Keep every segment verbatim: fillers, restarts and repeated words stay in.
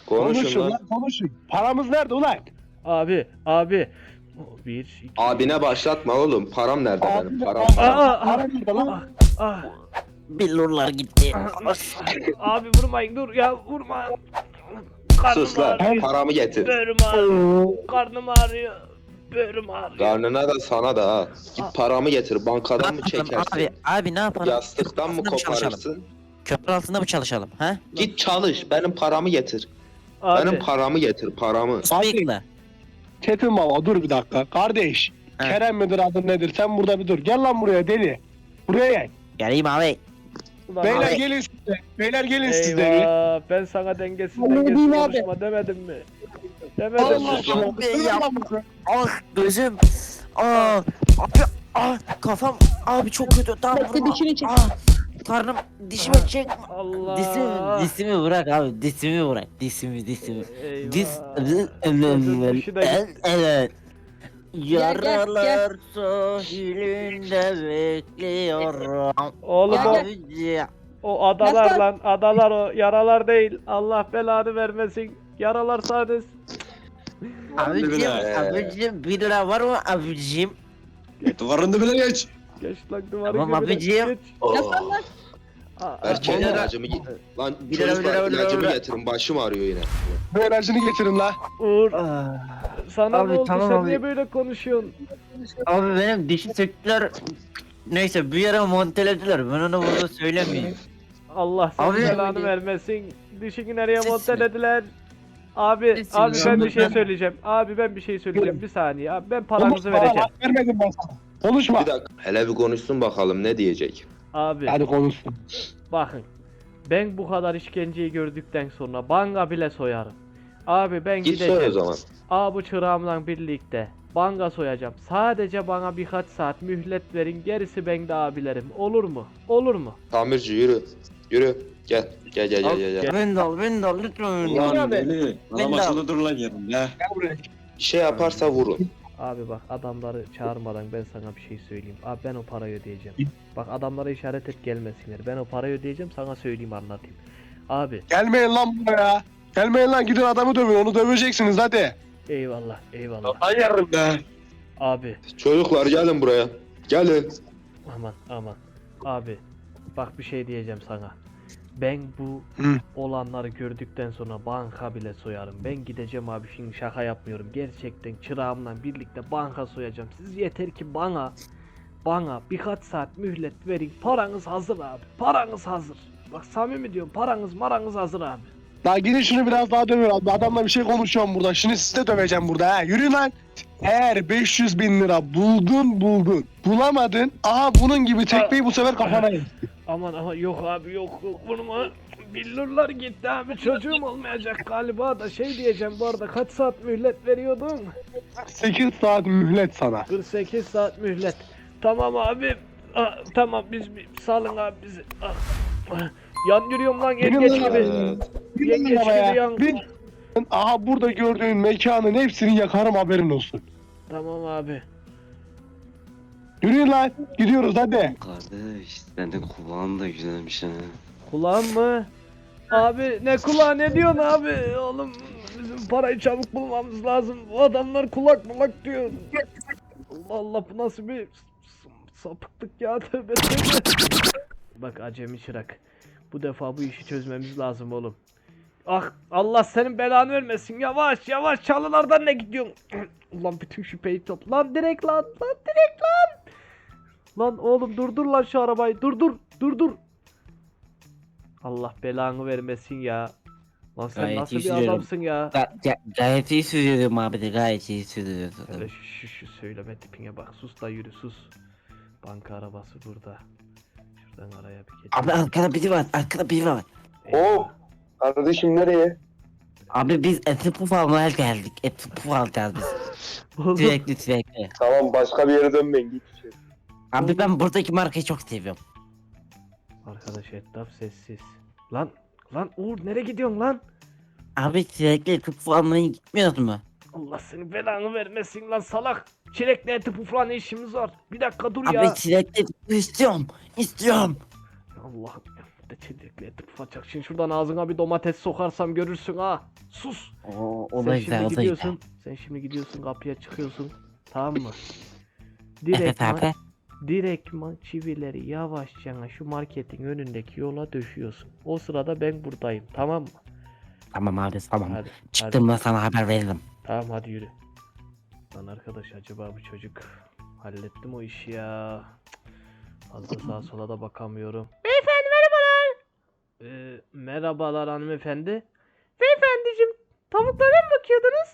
Konuşun Konuşun lan. lan konuşun. Paramız nerede ulan? Abi abi. Bir, iki. Abine başlatma oğlum. Param nerede Abi, benim? Param abi, param. Aa, Para nerede lan? Ah, ah. Billurlar gitti. Abi vurmayın dur ya vurma. Karnım Sus lan. ağrıyor. Paramı getir. Böğrüm ağrıyor. Karnım ağrıyor. Böğrüm ağrıyor. Karnına da sana da ha. Git paramı getir. Bankadan mı çekersin? Abi, abi ne yapalım? Yastıktan mı Altında çalışalım? koparırsın? Köprü altında mı çalışalım? Ha? Git çalış. Benim paramı getir. Abi, Benim paramı getir. Paramı. Bıyıklı. Çetin baba dur bir dakika. Kardeş. He. Kerem midir adın nedir? Sen burada bir dur. Gel lan buraya deli. Buraya gel. Geleyim abi. ulan Beyler abi. gelin siz de. Beyler gelin siz de. Eyvah ben sana dengesiz Vallahi dengesiz değil abi. konuşma demedim mi? Demedim Allah mi? Allah. Be ya. Ah gözüm. Ah. Abi. Ah kafam. Abi çok kötü. Tamam vurma. Ah. Karnım dişime çekme. Allah. Dişimi, dişimi bırak abi. Dişimi bırak. Dişimi, dişimi. Eyvah. Dis. Çocuğun dişi de gitti. Evet. Gel, gel, Yaralar sahilinde bekliyorum. Oğlum Gel, o, gel. Abici. o adalar Nasıl? lan adalar o yaralar değil. Allah belanı vermesin. Yaralar sadece. Abicim, Ee. abicim bir lira var mı abicim? Duvarında bile geç. Geç lan duvarı Tamam gibi de, abicim. geç. Oo. Aa, Erkeğin Bir lira- ilacımı git. Lan Bir lira, bir çocuklar lira, bir lira, ilacımı bir lira. getirin. Başım ağrıyor yine. Bu enerjini getirin la. Uğur Ah, sana Abi, ne oldu tamam sen abi. niye böyle konuşuyorsun? Abi benim dişi söktüler. Neyse bir yere montelediler. Ben onu burada söylemeyeyim. Allah senin Abi- belanı vermesin. Dişini nereye Sesini- montelediler? Abi, Sesini- abi ben bir şey Ben- söyleyeceğim. Abi ben bir şey söyleyeceğim. Buyurun. Bir saniye abi ben paranızı Konuşma, vereceğim. bak, Vermedim ben sana. Konuşma. Bir dakika. Hele bir konuşsun bakalım ne diyecek. Abi Hadi konuşsun. bakın. Ben bu kadar işkenceyi gördükten sonra banka bile soyarım. Abi ben Git gideceğim. söyle o zaman. Abi bu çırağımla birlikte banka soyacağım. Sadece bana birkaç saat mühlet verin. Gerisi bende abilerim. Olur mu? Olur mu? Tamirci yürü. Yürü. Gel. Gel gel gel gel. gel. Ben de al, ben de al lütfen. beni de al. Ulan deli. Ben Adam de- akıllı dur lan yerinde. Gel buraya. Bir şey yaparsa vurun. Abi bak adamları çağırmadan ben sana bir şey söyleyeyim. Abi ben o parayı ödeyeceğim. Bak adamlara işaret et gelmesinler. Ben o parayı ödeyeceğim sana söyleyeyim anlatayım. Abi Gelmeyin lan buraya. Gelmeyin lan gidin adamı dövün. Onu döveceksiniz hadi. eyvallah eyvallah. Lan yerinde. Abi Çocuklar gelin buraya. Gelin. aman aman. Abi bak bir şey diyeceğim sana. Ben bu Hı. olanları gördükten sonra banka bile soyarım. Ben gideceğim abi şimdi şaka yapmıyorum. Gerçekten çırağımla birlikte banka soyacağım. Siz yeter ki bana bana birkaç saat mühlet verin. Paranız hazır abi. Paranız hazır. Bak samimi diyorum paranız maranız hazır abi. Daha gidin şunu biraz daha dövün abi. Adamla bir şey konuşuyorum burada. Şimdi sizi de döveceğim burada ha. Yürüyün lan. Eğer beş yüz bin lira buldun buldun. Bulamadın. Aha bunun gibi tekmeyi bu sefer kafana yer. Aman ama yok abi yok yok vurma. Billurlar gitti abi çocuğum olmayacak galiba da şey diyeceğim bu arada kaç saat mühlet veriyordun? sekiz saat mühlet sana. kırk sekiz saat mühlet. Tamam abi. Ah, tamam biz bir salın abi bizi. Ah, ah. Yan yürüyorum lan Benim yengeç lan gibi. Bin Yengeç lira gibi ya. yan. Bin. Aha burada gördüğün mekanın hepsini yakarım haberin olsun. Tamam abi. Yürüyün lan. Gidiyoruz hadi. Kardeş senin kulağın da güzelmiş ha. Kulağım mı? Abi ne kulağı ne diyorsun abi? Oğlum bizim parayı çabuk bulmamız lazım. Bu adamlar kulak mulak diyor. Allah Allah bu nasıl bir s- sapıklık ya tövbe tövbe. Bak acemi çırak. Bu defa bu işi çözmemiz lazım oğlum. Ah Allah senin belanı vermesin. Yavaş yavaş çalılardan ne gidiyorsun? Ulan bütün şüpheyi topla. Lan direkt lan lan direkt lan. Lan oğlum durdur lan şu arabayı. Durdur durdur. Allah belanı vermesin ya. Lan sen Gayet nasıl iyi bir sürüyorum. adamsın ya? Ga- ga- gayet iyi sürüyorum abi de gayet iyi sürüyorum. Öyle şu, şu, şu söyleme tipine bak. Sus da yürü sus. Banka arabası burada. Şuradan araya bir geç. Abi arkada biri var, arkada biri var. Eyvah. Kardeşim nereye? Abi biz eti puf almaya geldik. Eti puf alacağız biz. Oğlum, Sürekli sürekli. Tamam başka bir yere dönmeyin git. Abi ben buradaki markayı çok seviyorum. Arkadaş etraf sessiz. Lan lan Uğur nereye gidiyorsun lan? Abi sürekli eti puf almaya gitmiyoruz mu? Allah senin belanı vermesin lan salak. Çilekle eti pufla ne işimiz var? Bir dakika dur ya. Abi sürekli istiyorum, istiyorum. Allah'ım. Bir de çelikli eti pufacak. Şimdi şuradan ağzına bir domates sokarsam görürsün ha. Sus. Oo, o Sen da şimdi güzel, o da güzel. gidiyorsun. Sen şimdi gidiyorsun kapıya çıkıyorsun. Tamam mı? Evet Direktman, abi. direktman çivileri yavaşça şu marketin önündeki yola döşüyorsun. O sırada ben buradayım. Tamam mı? Tamam abi tamam. Hadi. hadi. Çıktığımda sana haber veririm. Tamam hadi yürü. Lan arkadaş acaba bu çocuk hallettim o işi ya. Cık, fazla sağa sola da bakamıyorum. Beyefendi merhabalar. Ee, merhabalar hanımefendi. Beyefendiciğim tavuklara mı bakıyordunuz?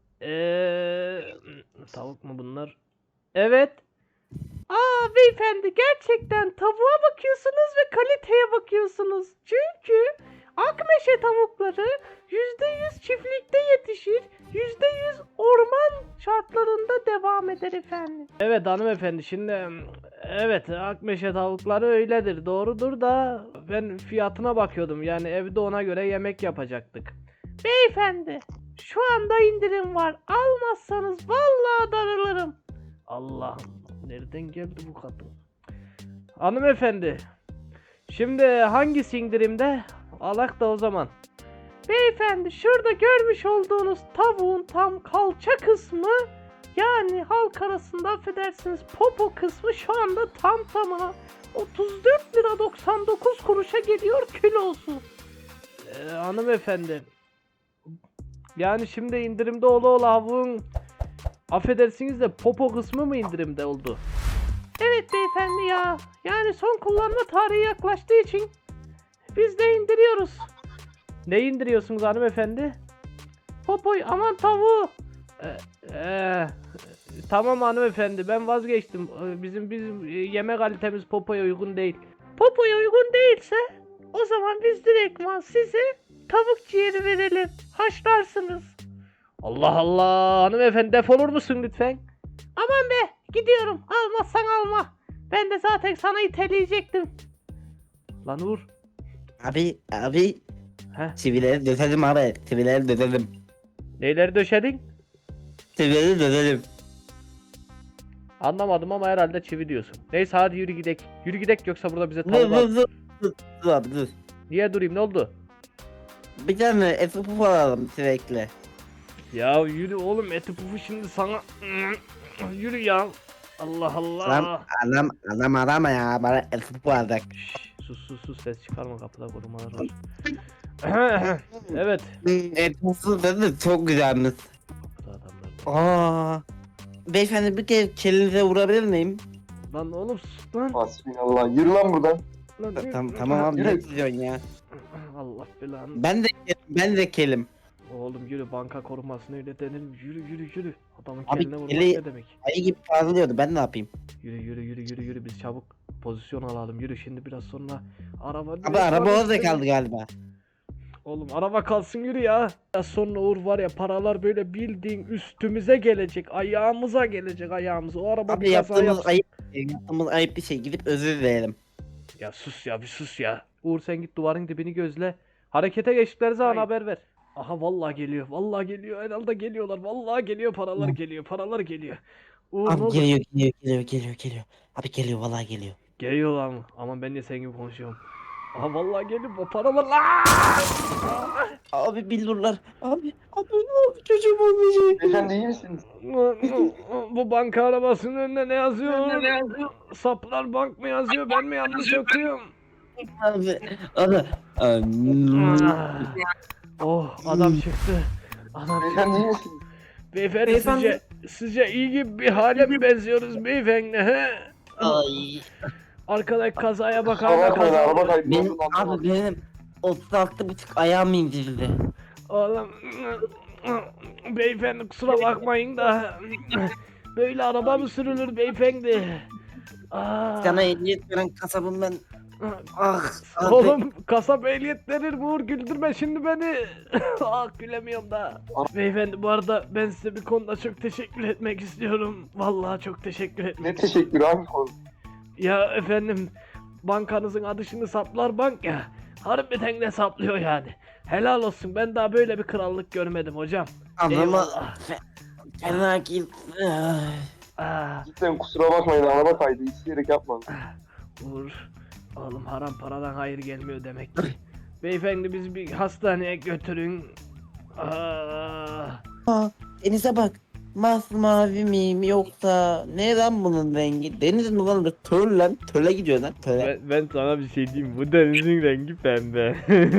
Eee tavuk mu bunlar? Evet. Aa beyefendi gerçekten tavuğa bakıyorsunuz ve kaliteye bakıyorsunuz. Çünkü Akmeşe tavukları yüzde yüz çiftlikte yetişir, yüzde yüz orman şartlarında devam eder efendim. Evet hanımefendi şimdi evet Akmeşe tavukları öyledir doğrudur da ben fiyatına bakıyordum yani evde ona göre yemek yapacaktık. Beyefendi şu anda indirim var almazsanız vallahi darılırım. Allah'ım nereden geldi bu kadın? Hanımefendi şimdi hangisi indirimde? Alak da o zaman. Beyefendi şurada görmüş olduğunuz tavuğun tam kalça kısmı yani halk arasında affedersiniz popo kısmı şu anda tam tamına otuz dört lira doksan dokuz kuruşa geliyor kilosu. Ee, hanımefendi yani şimdi indirimde ola ola tavuğun affedersiniz de popo kısmı mı indirimde oldu? Evet beyefendi ya yani son kullanma tarihi yaklaştığı için biz de indiriyoruz. Ne indiriyorsunuz hanımefendi? Popoy aman tavuğu. Ee, ee, tamam hanımefendi ben vazgeçtim. Ee, Bizim bizim e, yeme kalitemiz Popo'ya uygun değil. Popo'ya uygun değilse o zaman biz direktman size tavuk ciğeri verelim. Haşlarsınız. Allah Allah hanımefendi defolur musun lütfen? Aman be gidiyorum almazsan alma. Ben de zaten sana iteleyecektim. Lan Uğur. Abi abi. Heh. Çivileri döşedim abi. Çivileri döşedim. Neyleri döşedin? Çivileri döşedim. Anlamadım ama herhalde çivi diyorsun. Neyse hadi yürü gidek. Yürü gidek yoksa burada bize Dur tavuk dur dur. Dur, dur abi dur. Niye durayım ne oldu? Bir tane efi puf alalım sürekli. Ya yürü oğlum eti pufu şimdi sana. Yürü ya. Allah Allah. Lan adam adam arama ya bana efi puf alacak. Şşş, sus sus sus ses çıkarma kapıda korumalar var. Evet. Efi pufu dedi çok güzelmiş. Kapıda adamlar. Aa. Beyefendi bir kere kelinize vurabilir miyim? Lan oğlum sus lan. Hasbinallah. Yürü lan buradan. Lan yürü. Tamam tamam abi Yürü. ne diyorsun ya? Allah belanı. Ben de ben de kelim. Oğlum yürü banka korumasına öyle denir mi? Yürü yürü yürü. Adamın Abi, keline vurmak eli- ne demek? Ayı gibi parlıyordu ben ne yapayım? Yürü yürü yürü yürü yürü biz çabuk pozisyon alalım yürü şimdi biraz sonra araba Abi araba orada kaldı galiba. Oğlum araba kalsın yürü ya. Biraz sonra Uğur var ya paralar böyle bildiğin üstümüze gelecek ayağımıza gelecek ayağımıza o araba Abi bir kaza yaptığımız yapsın. ayıp yaptığımız ayıp bir şey gidip özür dileyelim. Ya sus ya bir sus ya. Uğur sen git duvarın dibini gözle. Harekete geçtikleri zaman Hayır. haber ver. Aha vallahi geliyor vallahi geliyor herhalde geliyorlar vallahi geliyor paralar Hı. geliyor paralar geliyor. Uğur ne Abi oldu? geliyor geliyor geliyor geliyor geliyor. Abi geliyor vallahi geliyor. Geliyorlar mı? Aman ben de senin gibi konuşuyorum. Aha vallahi geliyor bu paralar. Aa! Abi billurlar. Abi abi abi çocuğum olmayacak. Beyefendi iyi misiniz? Bu banka arabasının önünde ne yazıyor? Ne yazıyor? Saplar bank mı yazıyor? Ben mi yanlış okuyorum? Abi abi. Ah. Oh adam çıktı. Adam Beyefendi iyi misiniz? Beyefendi, Beyefendi. sizce sizce iyi gibi bir hale mi benziyoruz beyefendi he? Ay. Arkadaki kazaya bak Kusura hala bakmayın araba kaza. kaydı. Benim abi benim otuz altı buçuk ayağım indirdi. Oğlum beyefendi kusura bakmayın da böyle araba mı sürülür beyefendi? Aa. Sana ehliyet veren kasabım ben. Ah. abi. Oğlum kasap ehliyet verir mi Uğur güldürme şimdi beni. Ah gülemiyorum da. Beyefendi bu arada ben size bir konuda çok teşekkür etmek istiyorum. Vallahi çok teşekkür etmek Ne teşekkür abi. Ya efendim bankanızın adı şimdi Saplar Bank ya. Harbiden de saplıyor yani. Helal olsun ben daha böyle bir krallık görmedim hocam. Anama Eyvallah. fena gitti. Ah, Cidden kusura bakmayın araba kaydı. İsteyerek yapmadım. Uğur Oğlum haram paradan hayır gelmiyor demek ki. Beyefendi bizi bir hastaneye götürün. Aa, Denize bak. Masmavi mi yoksa ne lan bunun rengi? Deniz mi lan? Töl lan. Töle gidiyor lan. Töle. ben, ben sana bir şey diyeyim. Bu denizin rengi pembe.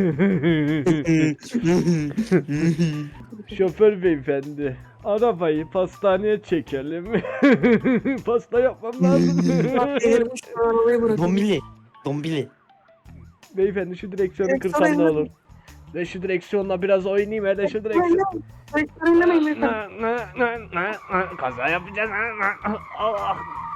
Şoför beyefendi. Arabayı pastaneye çekelim. Pasta yapmam lazım. Dombili. Dombili. Beyefendi şu direksiyonu kırsan ne olur? Ve şu direksiyonla biraz oynayayım hele şu direksiyon. Na, na, na, na, na. Kaza yapacağız. Allah. Allah.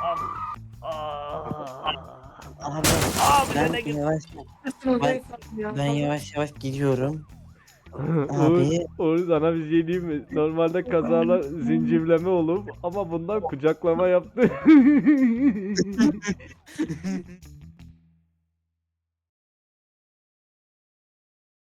Ah. Abi Abi ben nereye gidiyorsun? yavaş ben, ben yavaş yavaş gidiyorum. Uğur, Abi. Uğur sana bir şey diyeyim mi? Normalde kazalar zincirleme olur ama bundan kucaklama yaptı.